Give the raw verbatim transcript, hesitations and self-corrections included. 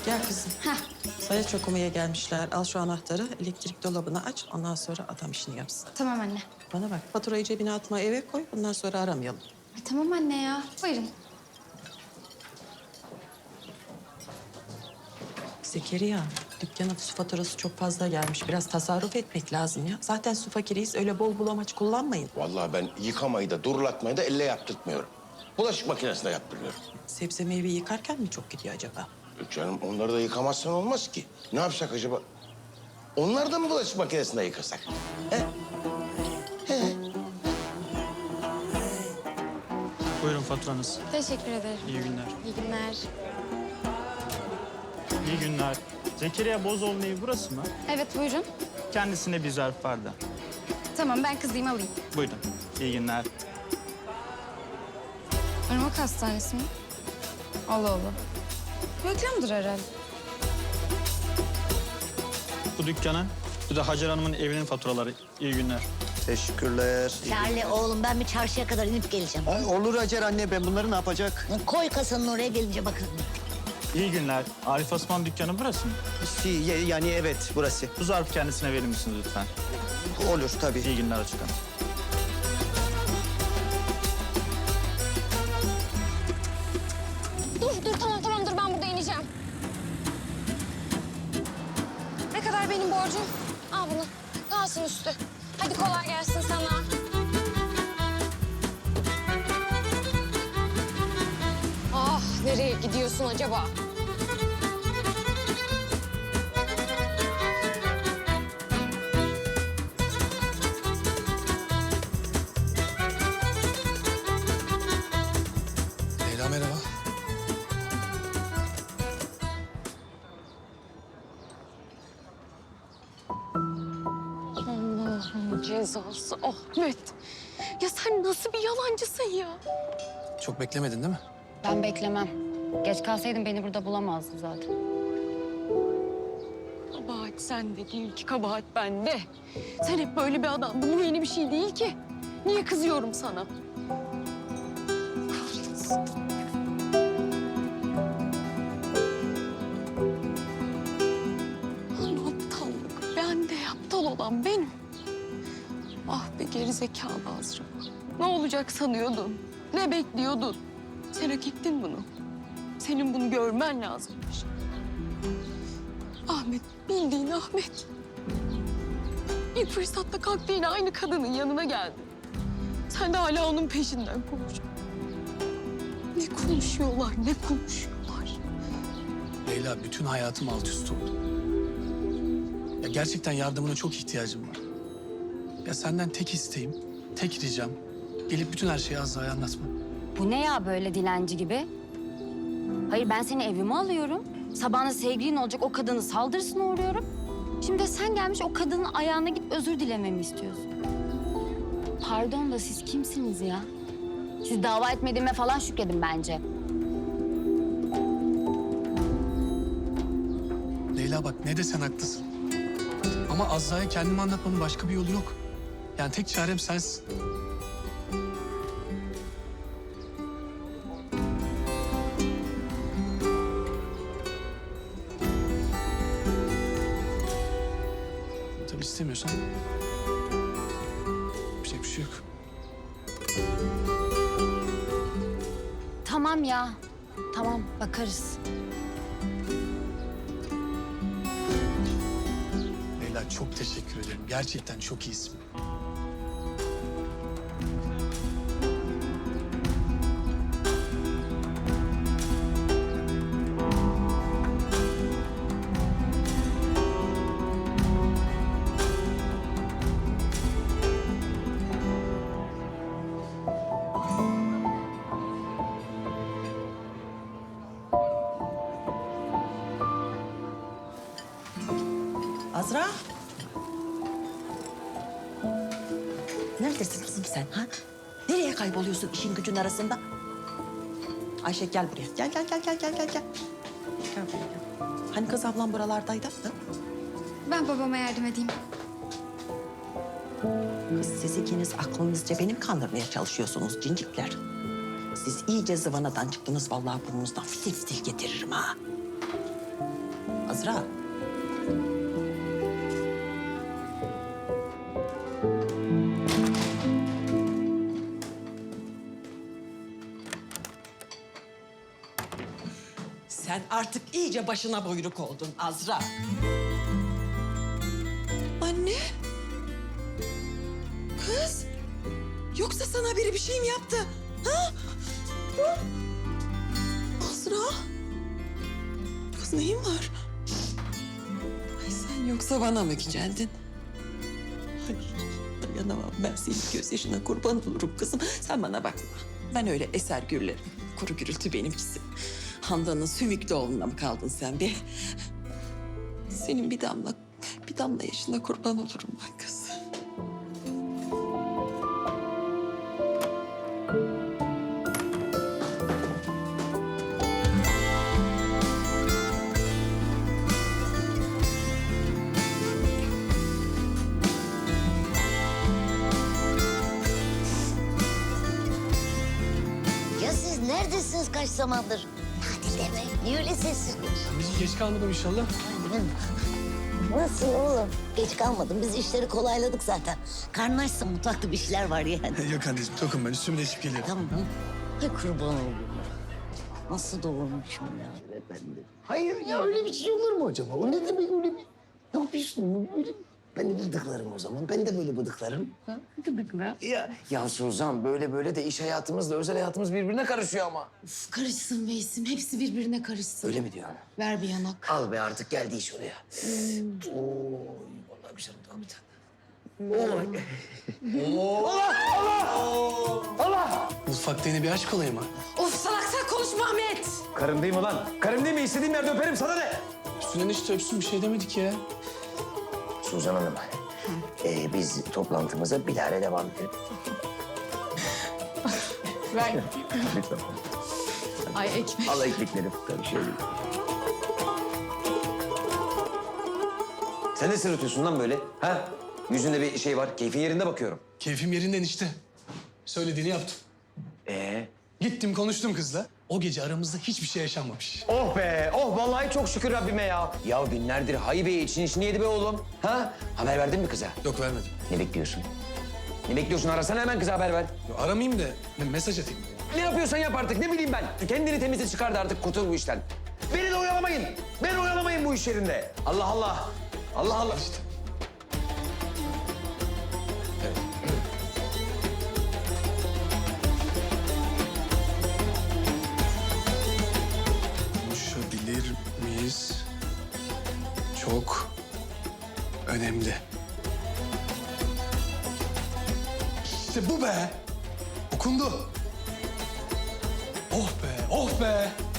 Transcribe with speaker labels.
Speaker 1: Gel kızım.
Speaker 2: Heh.
Speaker 1: Sayaç okumaya gelmişler. Al şu anahtarı, elektrik dolabını aç. Ondan sonra adam işini yapsın.
Speaker 2: Tamam anne.
Speaker 1: Bana bak, faturayı cebine atma, eve koy. Bundan sonra aramayalım.
Speaker 2: Ay, tamam anne ya. Buyurun.
Speaker 1: Zekeriya, dükkanın su faturası çok fazla gelmiş. Biraz tasarruf etmek lazım ya. Zaten su fakiriyiz, öyle bol bulamaç kullanmayın.
Speaker 3: Vallahi ben yıkamayı da durulatmayı da elle yaptırtmıyorum. Bulaşık makinesinde yaptırıyorum.
Speaker 1: Sebze meyve yıkarken mi çok gidiyor acaba?
Speaker 3: Yok canım, onları da yıkamazsan olmaz ki. Ne yapsak acaba? Onlar da mı bulaşık makinesinde yıkasak?
Speaker 4: Buyurun faturanız.
Speaker 2: Teşekkür ederim.
Speaker 4: İyi günler.
Speaker 2: İyi günler.
Speaker 4: İyi günler. Zekeriya Bozoğlu'nun evi burası mı?
Speaker 2: Evet buyurun.
Speaker 4: Kendisine bir zarf vardı.
Speaker 2: Tamam ben kızayım alayım.
Speaker 4: Buyurun. İyi günler.
Speaker 2: Irmak Hastanesi mi? Allah Allah. Reklamdır herhalde.
Speaker 4: Bu dükkanın, bu da Hacer Hanım'ın evinin faturaları. İyi günler.
Speaker 5: Teşekkürler.
Speaker 6: Charlie oğlum ben bir çarşıya kadar inip geleceğim.
Speaker 5: Ay, olur Hacer anne, ben bunları ne yapacak?
Speaker 6: Koy kasanın oraya gelince bakarım.
Speaker 4: İyi günler. Arif Osman dükkanı burası mı?
Speaker 5: Si, ye- yani evet, burası.
Speaker 4: Bu zarfı kendisine verir misiniz lütfen?
Speaker 5: Olur tabii.
Speaker 4: İyi günler Açık Hanım.
Speaker 2: Dur dur tamam tamam dur ben burada ineceğim. Ne kadar benim borcum? Al bunu. Kalsın üstü. Hadi kolay gelsin sana. Ah nereye gidiyorsun acaba?
Speaker 7: Leyla merhaba.
Speaker 2: Allah'ın cezası Ahmet. Ya sen nasıl bir yalancısın ya?
Speaker 7: Çok beklemedin değil mi?
Speaker 8: Ben beklemem. Geç kalsaydın beni burada bulamazdın zaten.
Speaker 2: Kabahat sende değil ki, kabahat bende. Sen hep böyle bir adamdın. Bu yeni bir şey değil ki. Niye kızıyorum sana? Kahretsin. Lan aptallık. Ben de aptal olan benim. Ah be gerizekalı Azra. Ne olacak sanıyordun? Ne bekliyordun? Sen hak ettin bunu. Senin bunu görmen lazımmış. Ahmet, bildiğin Ahmet. İlk fırsatta kalktı yine aynı kadının yanına geldi. Sen de hala onun peşinden koş. Ne konuşuyorlar, ne konuşuyorlar.
Speaker 7: Leyla, bütün hayatım alt üst oldu. Ya gerçekten yardımına çok ihtiyacım var. Ya senden tek isteğim, tek ricam gelip bütün her şeyi Azra'ya anlatma.
Speaker 8: Bu ne ya böyle dilenci gibi? Hayır ben seni evime alıyorum. Sabahına sevgilin olacak o kadının saldırısına uğruyorum. Şimdi de sen gelmiş o kadının ayağına git özür dilememi istiyorsun. Pardon da siz kimsiniz ya? Siz dava etmediğime falan şükredin bence.
Speaker 7: Leyla bak, ne desen haklısın. Ama Azra'ya kendimi anlatmanın başka bir yolu yok. Yani tek çarem sensin. Tabii istemiyorsan yapacak bir şey yok.
Speaker 8: Tamam ya. Tamam bakarız.
Speaker 7: Leyla, çok teşekkür ederim. Gerçekten çok iyisin.
Speaker 1: Azra. Neredesin kızım sen ha? Nereye kayboluyorsun işin gücün arasında? Ayşe gel buraya. Gel gel gel gel gel gel gel. Gel buraya gel. Hani kız ablam buralardaydı? Ha?
Speaker 2: Ben babama yardım edeyim.
Speaker 1: Kız siz ikiniz aklınızca beni mi kandırmaya çalışıyorsunuz cincikler? Siz iyice zıvanadan çıktınız vallahi burnunuzdan fitil fitil getiririm ha. Azra. Sen artık iyice başına buyruk oldun Azra. Anne. Kız. Yoksa sana biri bir şey mi yaptı? Ha? Hı? Azra. Kız neyin var? Ay sen yoksa bana mı geldin? Ay dayanamam ben senin gözyaşına kurban olurum kızım. Sen bana bakma. Ben öyle eser gürlerim. Kuru gürültü benimkisi. Handan'ın sümüklü oğluna mı kaldın sen be? Senin bir damla, bir damla yaşına kurban olurum ben kız.
Speaker 6: Ya siz neredesiniz kaç zamandır? Hadi deme. Niye öyle sessiz konuşuyorsun?
Speaker 7: Biz geç kalmadım inşallah.
Speaker 6: Nasıl oğlum? Geç kalmadım. Biz işleri kolayladık zaten. Karnın açsa mutfakta bir şeyler var yani.
Speaker 7: Yok anneciğim tokum ben üstümü değişip geliyorum.
Speaker 6: Tamam. Ay kurban olayım. Nasıl doğurmuşum ya ben de.
Speaker 9: Hayır ya öyle bir şey olur mu acaba? O ne demek öyle bir... Ne yapıyorsun? Öyle... Ben de bıdıklarım o zaman. Ben de böyle bıdıklarım. Bıdıklar. Ya, ya Suzan böyle böyle de iş hayatımızla özel hayatımız birbirine karışıyor ama.
Speaker 2: Uf, karışsın Veysim. Hepsi birbirine karışsın.
Speaker 9: Öyle mi diyorsun?
Speaker 2: Ver bir yanak.
Speaker 9: Al be artık geldi iş oraya. Oo, vallahi güzel oldu bir tane.
Speaker 7: Mutfakta yine bir aşk olayı mı?
Speaker 2: Of salak sen konuşma Ahmet.
Speaker 9: Karım değil mi lan? Karım değil mi? İstediğim yerde öperim sana ne?
Speaker 7: Üstüne işte öpsün bir şey demedik ya.
Speaker 9: Suzan Hanım, ee, biz toplantımıza bilahare devam edelim.
Speaker 2: Ver.
Speaker 9: Lütfen.
Speaker 2: Ay ekmek.
Speaker 9: Al ekmekleri. Tabii şey değil. Sen ne sırıtıyorsun lan böyle? Ha? Yüzünde bir şey var. Keyfin yerinde bakıyorum.
Speaker 7: Keyfim yerinden işte. Söylediğini yaptım.
Speaker 9: Ee?
Speaker 7: Gittim konuştum kızla. O gece aramızda hiçbir şey yaşanmamış.
Speaker 9: Oh be! Oh vallahi çok şükür Rabbime ya. Ya günlerdir Haybe için işini yedi be oğlum. Ha? Haber verdin mi kıza?
Speaker 7: Yok vermedim.
Speaker 9: Ne bekliyorsun? Ne bekliyorsun? Arasana hemen kıza haber ver.
Speaker 7: Yo, aramayayım da ben mesaj atayım.
Speaker 9: Ne yapıyorsan yap artık. Ne bileyim ben. Kendini temize çıkardı artık. Kurtul bu işten. Beni de oyalamayın. Beni oyalamayın bu iş yerinde. Allah Allah. Allah Allah.
Speaker 7: İşte. Konuşabilir miyiz? Çok önemli. İşte bu be. Okundu. Oh be, oh be.